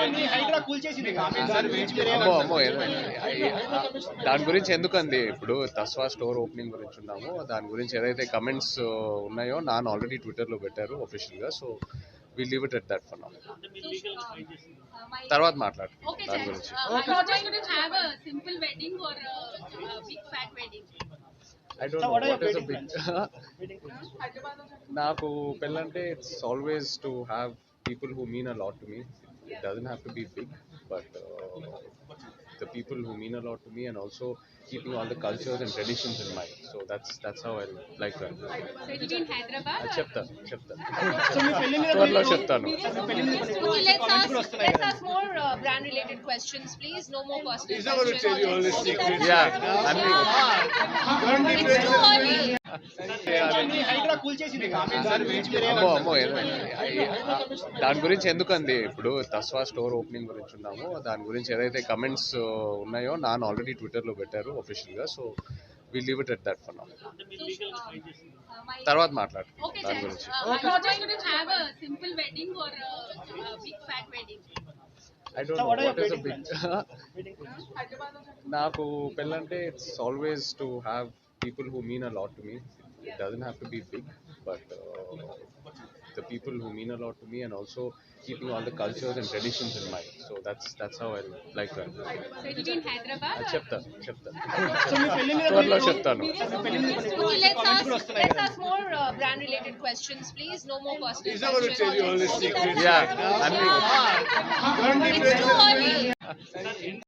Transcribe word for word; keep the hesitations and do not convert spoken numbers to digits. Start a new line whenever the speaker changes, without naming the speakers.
అమ్మో అమ్మో దాని గురించి ఎందుకండి ఇప్పుడు తస్వా స్టోర్ ఓపెనింగ్ గురించి ఉన్నాము దాని గురించి ఏదైతే కమెంట్స్ ఉన్నాయో నాన్న ఆల్రెడీ ట్విట్టర్లో పెట్టారు ఒఫిషియల్గా. So we leave it at that for now. తర్వాత మాట్లాడు దాని గురించి. I don't know what is a big నాకు పెళ్ళంటే it's always to have people who mean a lot to me. It doesn't have to be big, but uh, the people who mean a lot to me, and also keeping all the cultures and traditions in mind. So that's that's how I like that.
So it is in Hyderabad.
చెప్తా చెప్తా త్వరలో చెప్తాను.
Okay, let's ask let's ask more uh, brand related questions, please. No more personal questions.
Yeah, I mean,
It's too early.
అమ్మో అమ్మో దాని గురించి ఎందుకండి ఇప్పుడు తస్వా స్టోర్ ఓపెనింగ్ గురించి ఉన్నాము దాని గురించి ఏదైతే కమెంట్స్ ఉన్నాయో నాన్న ఆల్రెడీ ట్విట్టర్లో పెట్టారు ఒఫిషియల్గా. So we leave it at that for now. తర్వాత మాట్లాడు దాని గురించి. I don't know what is a big నాకు పెళ్ళంటే it's always to have people who mean a lot to me. It doesn't have to be big, but uh, the people who mean a lot to me, and also keeping all the cultures and traditions in mind. So that's that's how I like that.
So it is in Hyderabad.
చెప్తా చెప్తా త్వరలో చెప్తాను.
Okay, let's ask let's ask more uh, brand related questions, please. No more personal questions.
Yeah, I mean,
It's too early.